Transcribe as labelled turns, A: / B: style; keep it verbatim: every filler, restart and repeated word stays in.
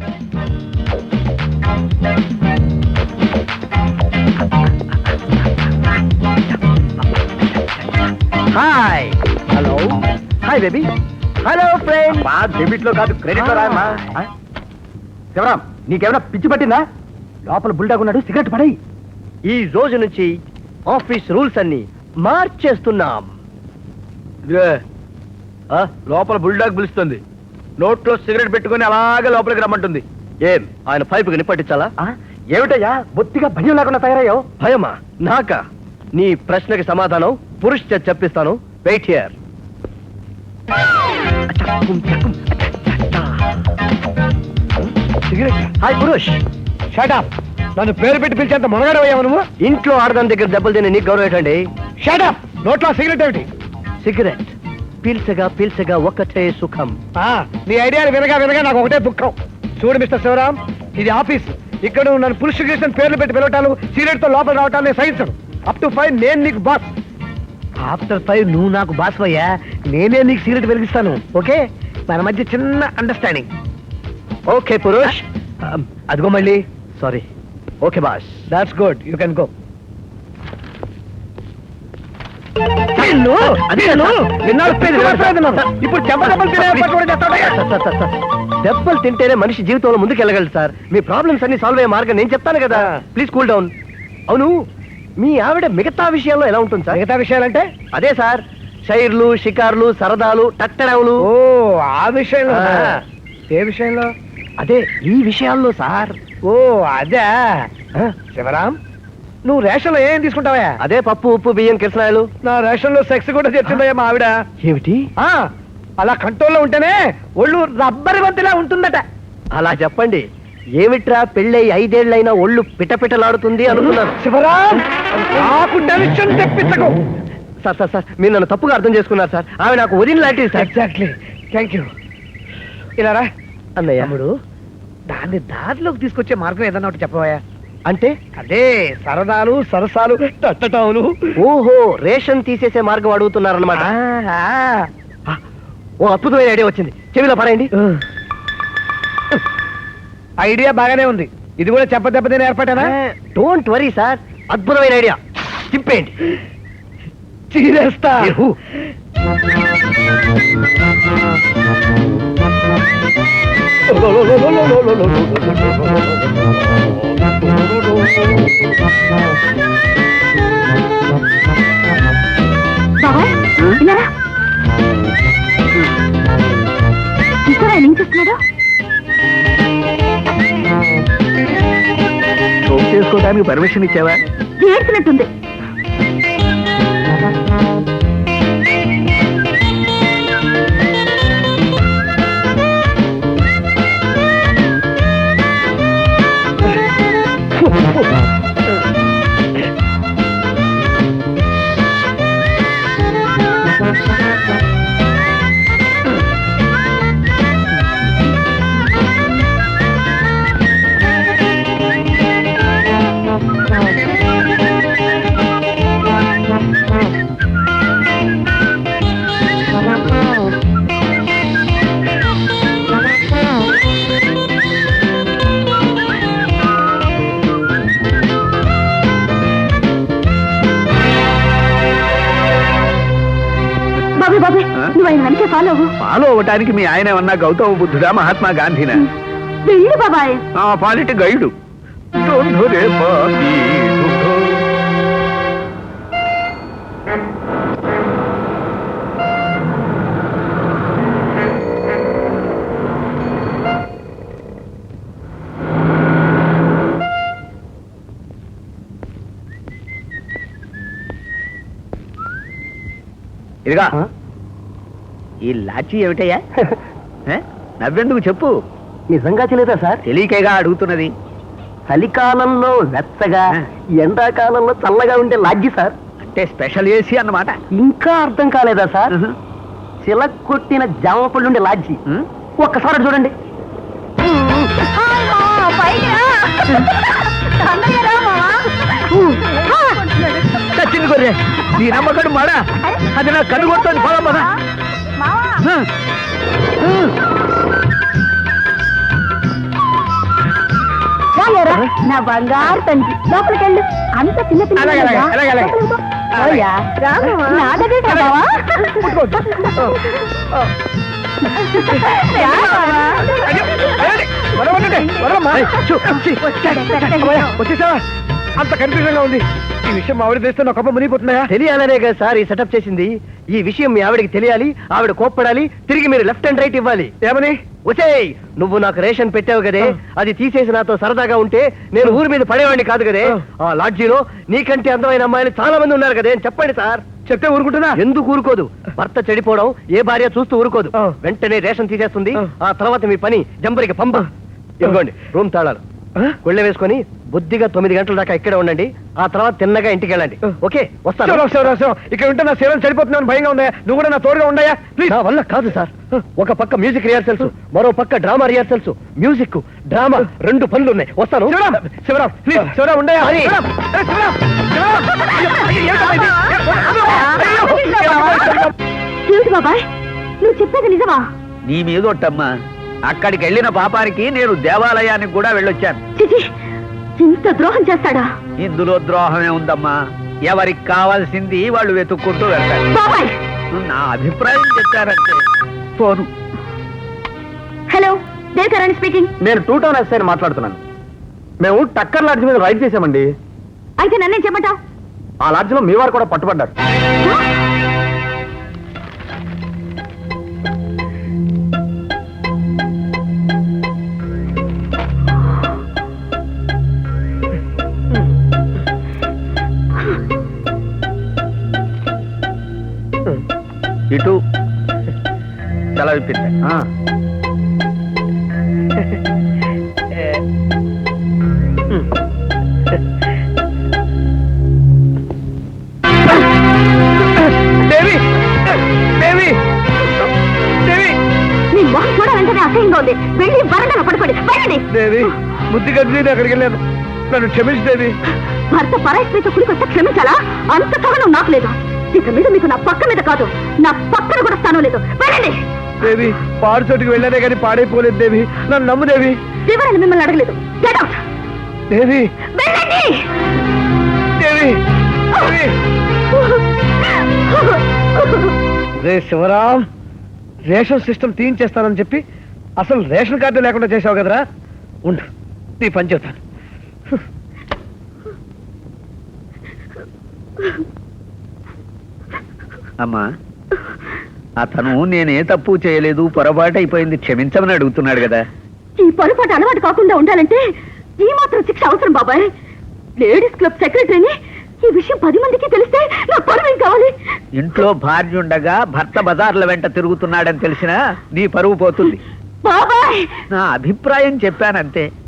A: Hi hello hi baby hello friend మా debit లో కాదు క్రెడిట్ లో రాయమ్మా శివరాం నీకేమైనా పిచ్చి పట్టిందా లోపల బుల్డాగ్ ఉన్నాడు సిగరెట్ పడేయి ఈ రోజు నుంచి ఆఫీస్ రూల్స్ అన్ని మార్చేస్తున్నాం లోపల బుల్డాగ్ పిలుస్తుంది నోట్లో సిగరెట్ పెట్టుకుని అలాగే లోపలికి రమ్మంటుంది ఏం ఆయన పైపుకి నిప్పట్టించాలా ఏమిటయ్యా బొత్తిగా భయం లేకుండా తయారయ్యో భయమా నాకా నీ ప్రశ్నకి సమాధానం పురుష్ చేత చెప్పిస్తాను wait here hi Purush shut up నన్ను పేరు పెట్టి పిలిచేంత మొనగాడవయ్యావు నువ్వు ఇంట్లో ఆడదాని దగ్గర దెబ్బలు తిని నీకు గౌరవం ఏంటండి షట్ అప్ నోట్లో సిగరెట్ ఏమిటి సిగరెట్ పీల్చగా పీల్చగా ఒక్కటే సుఖం నీ ఐడియాలు వినగా వినగా నాకు ఒకటే దుఃఖం చూడు మిస్టర్ శివరాం ఇది ఆఫీస్ ఇక్కడ నన్ను పురుష కృష్ణ పేర్లు పెట్టి పిలవటాలు సిగరెట్ తో లోపల రావటాలు సహించను అప్ టు ఫైవ్ నేను నీకు బాస్ ఆఫ్టర్ ఫైవ్ నువ్వు నాకు బాస్ అయ్యా నేనే నీకు సిగరెట్ వెలిగిస్తాను ఓకే మన మధ్య చిన్న అండర్స్టాండింగ్ ఓకే పురుష్ అదిగో మళ్ళీ sorry okay boss that's good you can go ఇప్పుడు దెబ్బలు తింటేనే మనిషి జీవితంలో ముందుకు వెళ్ళగలరు సార్ మీ ప్రాబ్లమ్స్ అన్ని సాల్వ్ అయ్యే మార్గం నేను చెప్తాను కదా ప్లీజ్ కూల్ డౌన్ అవును మీ ఆవిడ మిగతా విషయాల్లో ఎలా ఉంటుంది సార్ మిగతా విషయాలంటే అదే సార్ షైర్లు షికార్లు సరదాలు టట్టడవులు ఓ ఆ విషయంలో ఏ విషయంలో అదే ఈ విషయాల్లో సార్ ఓ అదే శివరాం నువ్వు రేషన్ లో ఏం తీసుకుంటావా అదే పప్పు ఉప్పు బియ్యం కిరసనాయలు నా రేషన్ లో సెక్స్ కూడా తెచ్చిందయ్యా మా ఆవిడ ఏమిటి అలా కంట్రోల్లో ఉంటేనే ఒళ్ళు రబ్బరి బంతిలా ఉంటుందట అలా చెప్పండి ఏమిట్రా పెళ్ళై ఐదేళ్లైనా ఒళ్ళు పిటపిటలాడుతుంది అనుకున్నాను శివరాం నాకు టెన్షన్ తెప్పించకు సార్ సార్ సార్ మీరు నన్ను తప్పుగా అర్థం చేసుకున్నారు సార్ ఆమె నాకు వదిన లాంటిది సార్ ఎగ్జాక్ట్లీ థ్యాంక్ యూ ఇలా రా అన్నయ్య తమ్ముడు దాన్ని దారిలోకి తీసుకొచ్చే మార్గం ఏదన్నా ఒకటి చెప్పవా అంటే అదే సరదాలు సరసాలు తట్టటావులు ఓహో రేషన్ తీసేసే మార్గం అడుగుతున్నారన్నమాట ఓ అద్భుతమైన ఐడియా వచ్చింది చెవిలో పడండి ఐడియా బాగానే ఉంది ఇది కూడా చెప్ప దెబ్బతిని ఏర్పడేనా డోంట్ వరీ సార్ అద్భుతమైన ఐడియా తిప్పేయండి చీరేస్తా చేసుకోవడానికి పర్మిషన్ ఇచ్చావా చేసినట్టుంది ఫాలో అవ్వటానికి మీ ఆయన ఏమన్నా గౌతమ బుద్ధుడా మహాత్మా గాంధీనా బాబాయ్ పాలిటి గైడు ఇదిగా ఈ లాఠీ ఏమిటయ్యా నవ్వెందుకు చెప్పు నిజంగా తెలియదా సార్ తెలియకేగా అడుగుతున్నది చలికాలంలో వెచ్చగా ఎండాకాలంలో చల్లగా ఉండే లాడ్జి సార్ అంటే స్పెషల్ ఏసీ అన్నమాట ఇంకా అర్థం కాలేదా సార్ చిలక కొట్టిన జామ పళ్ళు ఉండే లాడ్జి ఒక్కసారి చూడండి చచ్చింది గొర్రె నీ నమ్మకం మాడా అది నా కన్ను కొడుతుంది పదా పదా
B: నా బంగారు తండ్రి లోపలికి వెళ్ళు. అంత చిన్న పిల్ల
A: అలాగే, అలాగే, అలాగే, అలాగే.
B: ఓయా, రా మావా. నా దగ్గర రా మావా. రా మావా.
A: వచ్చేసావా? అంత కన్ఫ్యూజన్ గా ఉంది. ఈ విషయం మా ఆవిడ తెస్తే నా కప్ప మునిగిపోతున్నాయా? తెలియాలనే కదా సార్ ఈ సెటప్ చేసింది. ఈ విషయం మీ ఆవిడకి తెలియాలి, ఆవిడ కోప్పడాలి, తిరిగి మీరు లెఫ్ట్ అండ్ రైట్ ఇవ్వాలి. ఏమని? ఒసేయ్, నువ్వు నాకు రేషన్ పెట్టావు కదే, అది తీసేసి నాతో సరదాగా ఉంటే నేను ఊరి మీద పడేవాడిని కాదు కదే. ఆ లాడ్జీలో నీకంటే అందమైన అమ్మాయిలు చాలా మంది ఉన్నారు కదే అని చెప్పండి సార్. చెప్తే ఊరుకుంటున్నా? ఎందుకు ఊరుకోదు? భర్త చెడిపోవడం ఏ భార్య చూస్తూ ఊరుకోదు. వెంటనే రేషన్ తీసేస్తుంది. ఆ తర్వాత మీ పని జంబరికి పంప. ఇవ్వండి రూమ్ తాళాలు. గుళ్ళ వేసుకొని బుద్ధిగా తొమ్మిది గంటల దాకా ఇక్కడే ఉండండి. ఆ తర్వాత తిన్నగా ఇంటికి వెళ్ళండి. ఓకే, వస్తాను. ఇక్కడ ఉంటే నా సేవలు చనిపోతున్నాను భయంగా ఉందా? నువ్వు కూడా నా తోడుగా ఉండయా ప్లీజ్. నా వల్ల కాదు సార్. ఒక పక్క మ్యూజిక్ రిహార్సల్స్, మరో పక్క డ్రామా రిహార్సల్స్. మ్యూజిక్ డ్రామా రెండు పనులు ఉన్నాయి. వస్తాను. శివరాం ప్లీజ్, శివరాం ఉండయా?
B: బాబాయ్, నువ్వు చెప్పేది నిజమా?
C: నీ మీదొట్టమ్మా. అక్కడికి వెళ్ళిన పాపానికి నేను దేవాలయానికి కూడా వెళ్ళొచ్చాను.
B: చిచి, ఇంత ద్రోహం చేస్తాడా?
C: ఇందులో ద్రోహమే ఉందమ్మా. ఎవరికి కావాల్సింది వాళ్ళు వెతుక్కుంటూ వెళ్తారు.
B: బాబాయ్,
C: నా అభిప్రాయం చెప్పారంటే. ఫోను.
B: Hello, Devakarani speaking.
A: నేను టూ టౌన్ ఎస్ఐని మాట్లాడుతున్నాను. మేము టక్కర్ లాడ్జ్ మీద రైడ్ చేశామండి.
B: అయితే నన్నేం చెప్పంటావు?
A: ఆ లాడ్జ్ లో మీ వారు కూడా పట్టుబడ్డారు.
C: ఇటు సెలవిప్పింది.
A: దేవి, దేవి, దేవి,
B: నీ మొహం చూడాలంటేనే అసహ్యంగా ఉంది. వెళ్ళి వరండాలో పడుకోండి. వెళ్ళండి.
A: దేవి, బుద్ధి కలిసి నేను అక్కడికి వెళ్ళాను. నన్ను క్షమించు దేవి.
B: భర్త పరాయి స్త్రీతో కుడికొస్తే క్షమించాలా? అంత సహనం నాకు లేదు. ఇక మీద మీకు నా పక్క మీద కాదు, నా పక్కన కూడా స్థానం లేదు. వెళ్ళండి.
A: దేవి, పాడు చోటుకి వెళ్ళానే కానీ పాడైపోలేదు దేవి. నన్ను నమ్ము దేవి.
B: వివరాలు మిమ్మల్ని అడగలేదు. Get out.
A: దేవి,
B: వెళ్ళండి.
A: దేవి, దేవి. రే శివరాం, రేషన్ సిస్టమ్ తీయించేస్తానని చెప్పి అసలు రేషన్ కార్డు లేకుండా చేసావు కదరా. ఉండు, నీ పని చెబుతాను.
C: అమ్మా, అతను నేనే తప్పు చేయలేదు, పొరపాటు అయిపోయింది, క్షమించమని అడుగుతున్నాడు కదా.
B: ఈ పొరపాటు అలవాటు కాకుండా ఉండాలంటే ఈ మాత్రం శిక్ష అవసరం బాబాయ్. లేడీస్ క్లబ్ సెక్రటరీని ఈ విషయం పది మందికి తెలిస్తే నా పరువేం కావాలి?
C: ఇంట్లో భార్య ఉండగా భర్త బజార్ల వెంట తిరుగుతున్నాడని తెలిసినా నీ పరువు పోతుంది.
B: బాబాయ్,
C: నా అభిప్రాయం చెప్పానంతే.